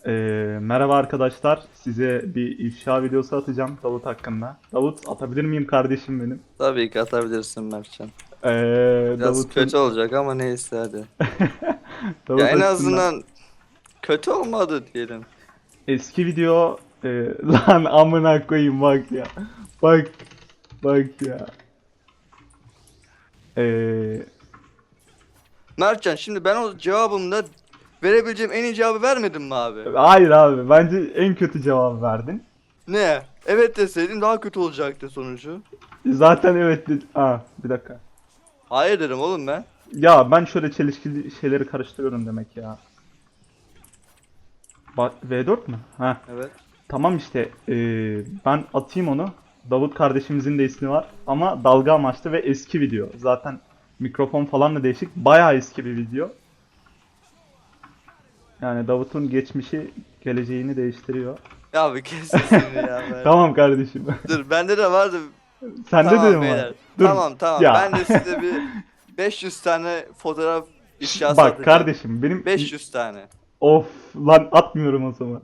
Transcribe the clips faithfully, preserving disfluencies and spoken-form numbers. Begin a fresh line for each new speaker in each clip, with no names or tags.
Ee, merhaba arkadaşlar. Size bir ifşa videosu atacağım Davut hakkında. Davut atabilir miyim kardeşim benim?
Tabii ki atabilirsin Mertcan.
Ee,
Biraz
Davut'un
kötü olacak ama neyse hadi. Ya
Davut
en
hakkında
azından kötü olmadı diyelim.
eski video e, lan amına koyayım bak ya. Bak bak ya. Ee,
Mertcan şimdi ben o cevabımda verebileceğim en iyi cevabı vermedim mi abi?
hayır abi bence en kötü cevabı verdin.
Ne? Evet deseydin daha kötü olacaktı sonucu.
Zaten evet de- Aa, bir dakika.
Hayır dedim oğlum ben.
Ya ben şöyle çelişkili şeyleri karıştırıyorum demek ya. Ba- V dört mü? Ha.
Evet.
Tamam işte eee, ben atayım onu. Davut kardeşimizin de ismi var ama dalga amaçlı ve eski video. Zaten mikrofon falan da değişik. Bayağı eski bir video. Yani Davut'un geçmişi geleceğini değiştiriyor.
Ya bir kes sesini ya Mert.
Tamam kardeşim.
Dur bende de vardı.
Sende de
Tamam
mi var?
beyler.
Dur.
Tamam tamam.
Ya.
Ben de size bir beş yüz tane fotoğraf ifşası
Bak
atacağım.
kardeşim benim
beş yüz tane.
of lan atmıyorum o zaman.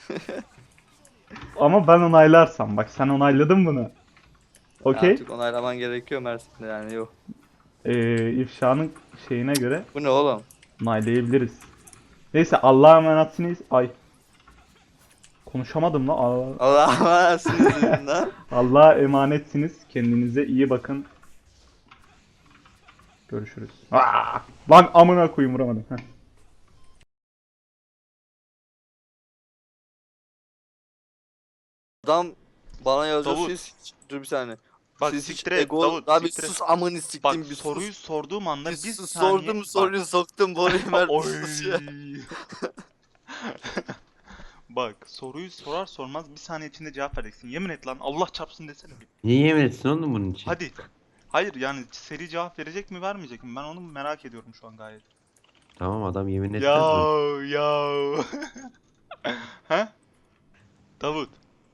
Ama ben onaylarsam bak sen onayladın bunu. Okey.
Artık onaylaman gerekiyor Mersin'de yani yok.
Ee, ifşanın şeyine göre
Bu ne oğlum?
onaylayabiliriz. Neyse Allah'a emanetsiniz. Ay konuşamadım la. Aa.
Allah'a emanetsiniz dedim lan.
Allah'a emanetsiniz. Kendinize iyi bakın. Görüşürüz. Aa! Lan amına koyayım vuramadım. Heh.
Adam bana yazıyor
Davut.
siz dur bir saniye.
Bak
Siz hiç
siktir et
ego
Davut,
abi
siktir et.
sus amını
Bak
siktim bir
soruyu
sus.
sorduğum anda
Bir
bir
sus
saniye
sordum
bak.
soruyu soktum boruyu Mert bir sus ya.
Oy. Bak soruyu sorar sormaz bir saniye içinde cevap vereceksin. Yemin et lan Allah çarpsın desene bir.
Niye yemin etsin oğlum bunun için?
Hadi. Hayır yani seri cevap verecek mi vermeyecek mi? Ben onu merak ediyorum şu an gayet.
Tamam adam yemin etmez
Ya
mi?
ya. He? Davut.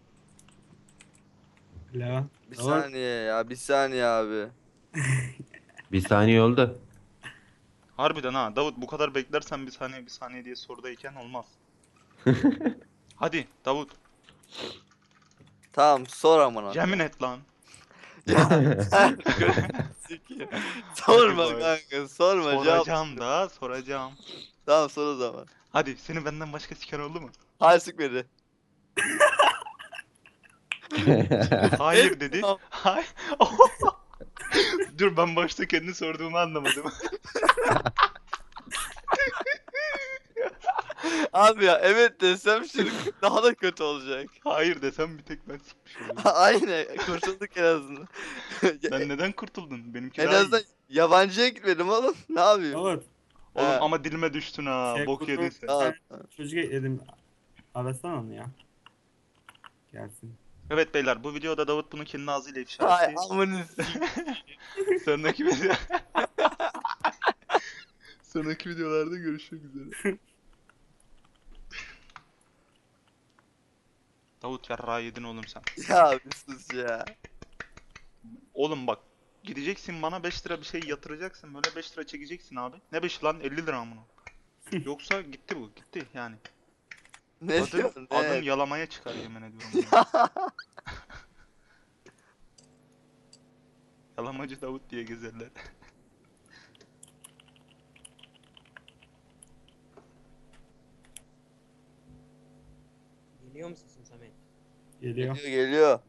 Alo.
Bir
Davut.
saniye ya bir saniye abi.
Bir saniye oldu.
Harbiden ha Davut bu kadar beklersen bir saniye bir saniye diye sorudayken olmaz. Hadi Davut.
Tamam sor amına.
Yemin et lan.
Ya sikeyim. Sorma
Hadi bak.
kanka sorma cevap.
Soracağım da soracağım.
Tamam sor o zaman.
Hadi seni benden başka siken oldu mu?
Hayır sıkmadı.
Hayır dedi.
Tamam.
Hayır. Dur ben başta kendi sorduğumu anlamadım.
Abi ya evet desem şimdi daha da kötü olacak.
Hayır desem bir tek ben sikmiş olurum.
Aynen kurtulduk en azından.
Ben neden kurtuldun? Benimki
En
daha iyi.
azından yabancıya gitmedim oğlum. Ne yapayım?
Davut.
Oğlum
He.
ama dilime düştün ha.
Şey,
Bok
kutu-
yedin sen.
Tamam.
Çocuk ekledim. Arasana onu ya. Gelsin.
Evet beyler bu videoda Davut bunu kendi ağzıyla ifşa
Ay
etti.
amını
Sonraki video... Sonraki videolarda görüşmek üzere. Davut yarrağı yedin oğlum sen.
ya bir sus ya.
Oğlum bak gideceksin bana beş lira bir şey yatıracaksın böyle beş lira çekeceksin abi. Ne beş lan elli lira mı? Yoksa gitti bu gitti yani.
Ne
Adın,
diyorsun? Ne?
adın yalamaya çıkar yemin ediyorum. ya. Yalamacı Davut diye gezerler.
Geliyor mu sesim Samet?
Geliyor.
Geliyor geliyor.